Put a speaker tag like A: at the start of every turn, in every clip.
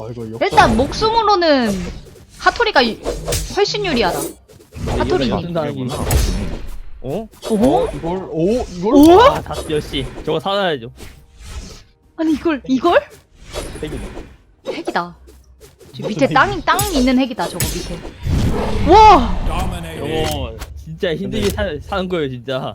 A: 와 이거
B: 일단 목숨으로는 하토리가 훨씬 유리하다. 하토리님.
C: 쓴다는구나. 어?
B: 오?
A: 이걸
B: 오?
C: 아, 다 역시 저거 사놔야죠.
B: 아니 이걸? 핵이다. 저 밑에 땅 있는 핵이다 저거 밑에. 와!
C: 저거 진짜 힘들게 사는 거예요 진짜.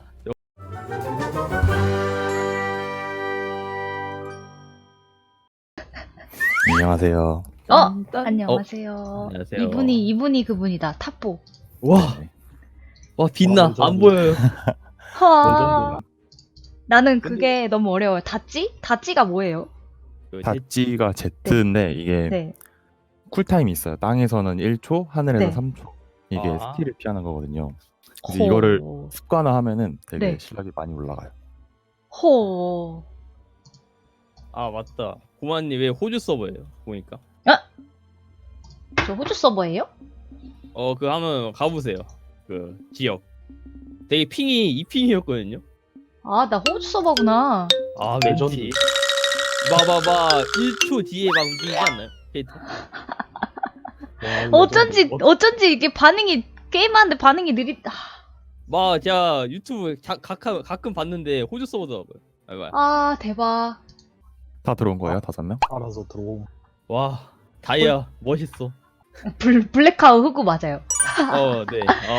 D: 안녕하세요.
B: 안녕하세요.
C: 안녕하세요.
B: 이분이 그분이다. 탑보.
C: 와 빛나.
A: 완전.
C: 안 보여요.
B: 하. 나는 그게 너무 어려워요. 다찌가 뭐예요?
D: 닷지가 Z인데 이게
B: 네.
D: 쿨타임이 있어요. 땅에서는 1초, 하늘에서
B: 네.
D: 3초. 이게
C: 아.
D: 스킬을 피하는 거거든요. 그래서 이거를 습관화하면은 되게
B: 네.
D: 실력이 많이 올라가요.
B: 호.
C: 아 맞다. 고만님 왜 호주 서버예요? 보니까.
B: 저 호주 서버예요?
C: 그 한번 가보세요. 그 지역. 되게 핑이 2핑이었거든요.
B: 아, 나 호주 서버구나.
C: 아
A: 레전드.
C: 왠지. 봐봐봐 1초 뒤에 막 움직이지 않나요? 캐릭터?
B: 어쩐지 이게 게임하는데 반응이 느리다.
C: 막 제가 유튜브 가끔 봤는데 호주 서버더라고요.
B: 아, 대박.
D: 다 들어온 거예요? 5명?
A: 알아서 들어옴.
C: 와 다이아 멋있어.
B: 블랙하우 흑우 맞아요.
C: 네.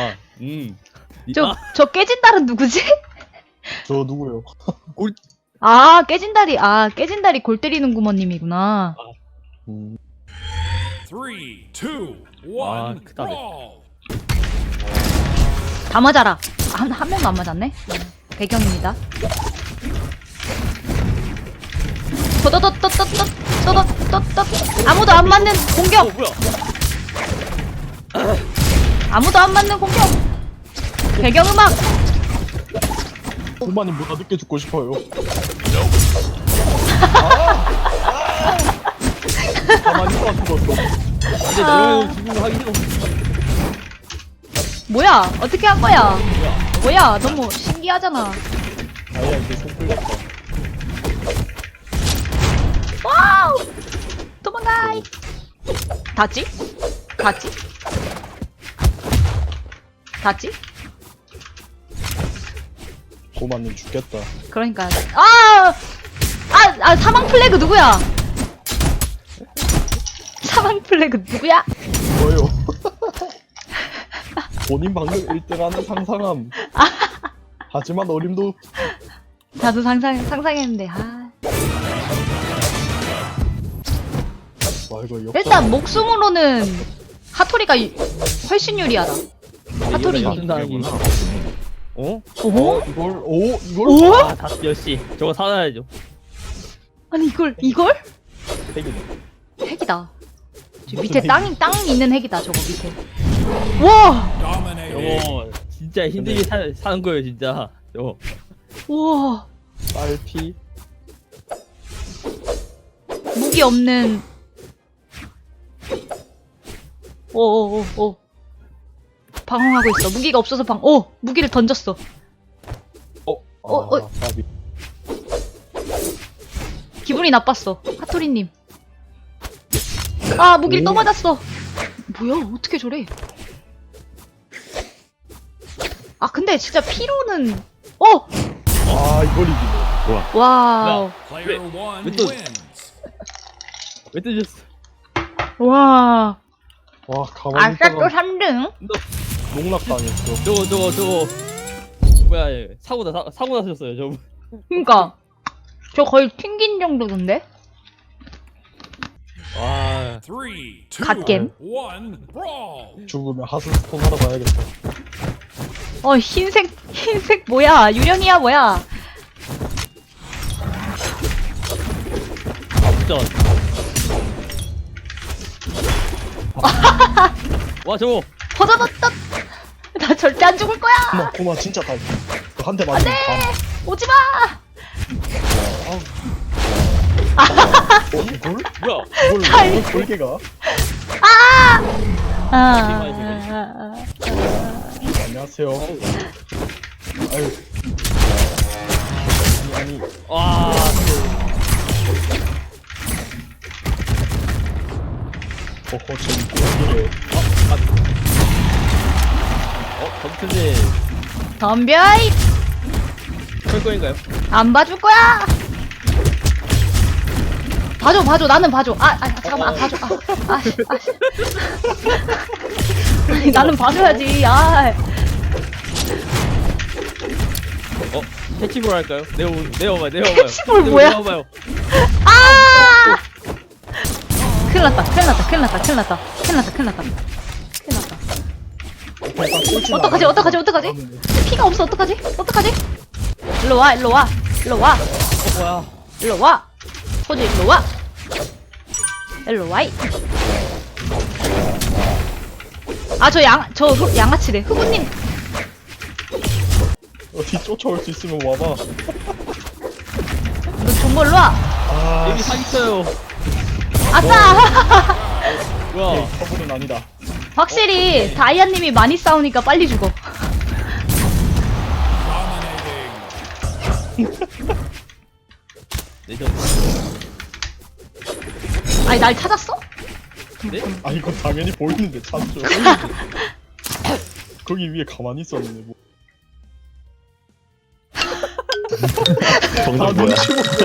B: 저 깨진 달은 누구지?
A: 저 누구요?
B: 깨진 달이 골 때리는 구머님이구나.
E: 3, 2, 1,
C: 아, 크다, 네.
E: brawl!
B: 다 맞아라. 한 명도 안 맞았네. 배경입니다. 또또또또또또또또또 아무도 안 맞는 공격.
C: 뭐야?
B: 아무도 안 맞는 공격. 배경음악.
A: 고마님보다 늦게 죽고 싶어요. 가만히 있어 죽었어.
C: 근데 너는 죽은 거 하기 싫어.
B: 뭐야? 어떻게 한 거야? 뭐야? 너무 신기하잖아.
A: 아야 이제 손 끌렸다.
B: 와우! 도망가! 닿지?
A: 고마님 죽겠다.
B: 그러니까 사망 플래그 누구야? 사망 플래그 누구야?
A: 뭐요? 본인 방금 1등하는 상상함. 하지만 어림도
B: 나도 상상했는데
A: 와 이거 역사.
B: 일단 목숨으로는 하토리가 훨씬 유리하다. 하토리님.
C: 쓴다는구나. 어?
B: 오?
A: 이걸
B: 오?
C: 아, 다 역시 저거 사놔야죠.
B: 아니 이걸? 핵이다. 저 밑에 땅 있는 핵이다 저거 밑에. 와!
E: Dominated.
C: 저거 진짜 힘들게 사는 거예요 진짜. 저거.
B: 와!
A: 딸피.
B: 무기 없는. 오. 방황하고 있어. 무기가 없어서 무기를 던졌어.
A: 까비.
B: 기분이 나빴어. 하토리님. 무기를 또 맞았어. 뭐야? 어떻게 저래? 근데 진짜 피로는.
A: 이걸 이기네.
B: 와우.
E: Player 1
C: 왜 또-
E: wins.
C: 왜 뜨셨어?
B: 와.
A: 와 가만히
B: 아싸 또
A: 있다가
B: 3등.
A: 농락당했어.
C: 저거 뭐야 얘. 사고 나셨어요 저분.
B: 그니까. 저 거의 튕긴 정도던데?
C: 와
E: 3, 2, 1,
B: 갓겜.
E: brawl!
A: 죽으면 하스스톤 하러 가야겠다.
B: 흰색 뭐야? 유령이야 뭐야?
C: 진짜. 와 저거.
B: 허더더덧. 나 절대 안 죽을 거야.
A: 고마 진짜 딸피. 한 대 맞으면
B: 오지 마.
A: 이걸?
C: 뭐야?
A: 이걸 돌개가? 안녕하세요. 아유. 아니
C: 와.
A: 허허 재밌게
C: 검트님
B: 덤벼!
C: 할 거인가요?
B: 안 봐줄 거야! 봐줘, 나는 봐줘. 잠깐만, 봐줘. 아니, 나는 봐줘야지,
C: 캐치볼 할까요? 내어봐요.
B: 캐치볼 뭐야?
C: 내어봐요.
B: 큰일 났다. 어떡하지? 피가 없어, 어떡하지? 일로 와.
C: 뭐야?
B: 호주, 일로 와. 저 양아치래. 흑우님,
A: 어디 쫓아올 수 있으면 와봐.
B: 너 정보 일로 와.
A: 아
C: 여기 사기쳐요.
B: 아싸!
C: 뭐야?
A: 커블은 아니다.
B: 확실히 다이아님이 많이 싸우니까 빨리 죽어.
E: Dominating.
C: 내전.
B: 아니, 날 찾았어?
C: 네?
A: 아 이건 당연히 보이는데 찾죠. 거기 위에 가만히 있었는데 뭐.
D: 정답
A: 아
D: 뭐야?
A: 눈치 보고.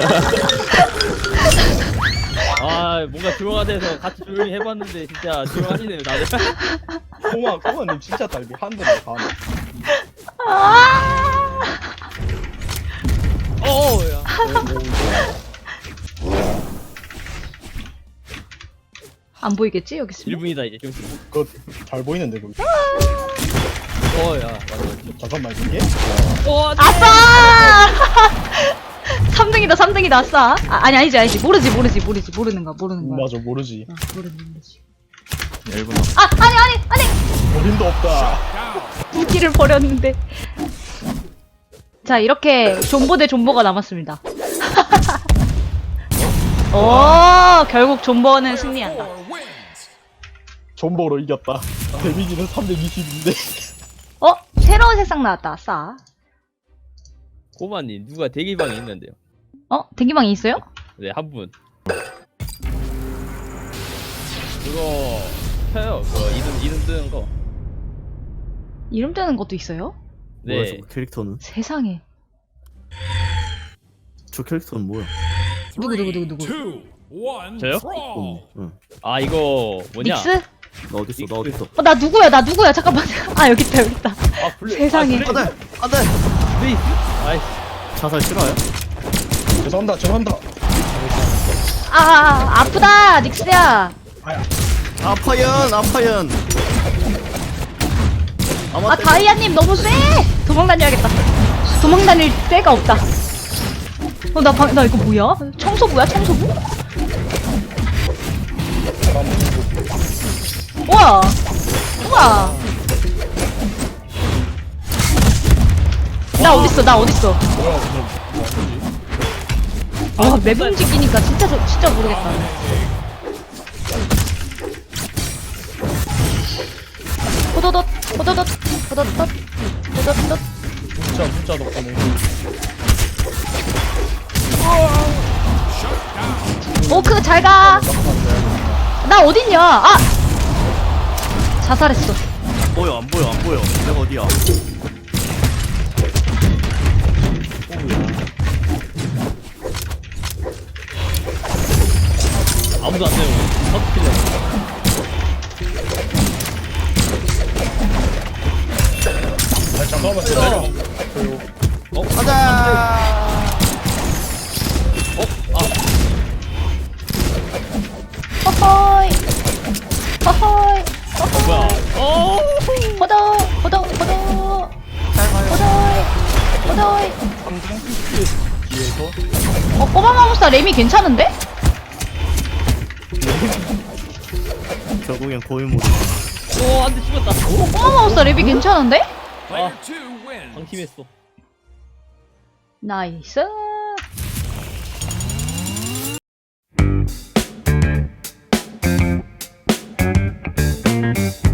C: 뭔가 조용하대서 같이 조용히 해봤는데 진짜 조용하시네요 다들.
A: 코마님 진짜 딸기 한 대만 가.
C: 야.
B: 안 보이겠지? 여기 있으면?
C: 1분이다 이제 좀.
A: 그거 잘 보이는데 거기.
C: 야, 맞아.
A: 잠깐만 이게?
C: 안돼.
B: 아싸! 3등이다, 아싸. 아니지. 모르는 거야.
A: 맞아 모르지.
B: 모르지.
D: 1분
B: 아니!
A: 어림도 없다.
B: 무기를 버렸는데. 자, 이렇게 존보 대 존보가 남았습니다. 오, 결국 존버는 승리한다.
E: Four wins.
A: 존버로 이겼다. 데미지는 320인데.
B: 새로운 세상 나왔다, 아싸.
C: 고마님 누가 대기방에 있는데요?
B: 대기방이 있어요?
C: 네, 한 분. 그거 켜요. 그거 이름 뜨는 거.
B: 이름 뜨는 것도 있어요?
F: 뭐야
C: 네.
F: 저 캐릭터는?
B: 세상에.
F: 저 캐릭터는 뭐야?
B: 누구?
E: 2, 1,
C: 저요?
E: brawl.
F: 응.
C: 이거 뭐냐?
B: 닉스?
F: 나 어딨어?
B: 나 누구야? 잠깐만. 여기 있다. 세상에.
C: 안돼. 네. 아이씨.
F: 자살 싫어요?
A: 죄송합니다.
B: 아프다, 닉스야.
F: 아파연.
B: 다이아님 너무 쎄! 도망 다닐 데가 없다. 나 이거 뭐야? 청소부야? 우와! 나 어딨어? 맵 움직이니까 진짜 모르겠다. 호도덧.
A: 진짜 문자 덕분에.
B: 그거 잘 가. 나 어딨냐? 자살했어.
F: 안 보여. 내가 어디야?
C: 아무도 안 돼요. 터트리려.
A: 잠깐만 기다려.
F: 가자.
B: 허허이.
C: 뭐야?
B: 호도. 호도이.
A: 뒤에서
B: 꼬마마무스타 램이 괜찮은데?
F: 결국엔 고인물.
C: 안돼 죽었다.
B: 꼬마마무스타 램이 괜찮은데?
E: Player 2 wins.
C: 방심했어.
B: 나이스.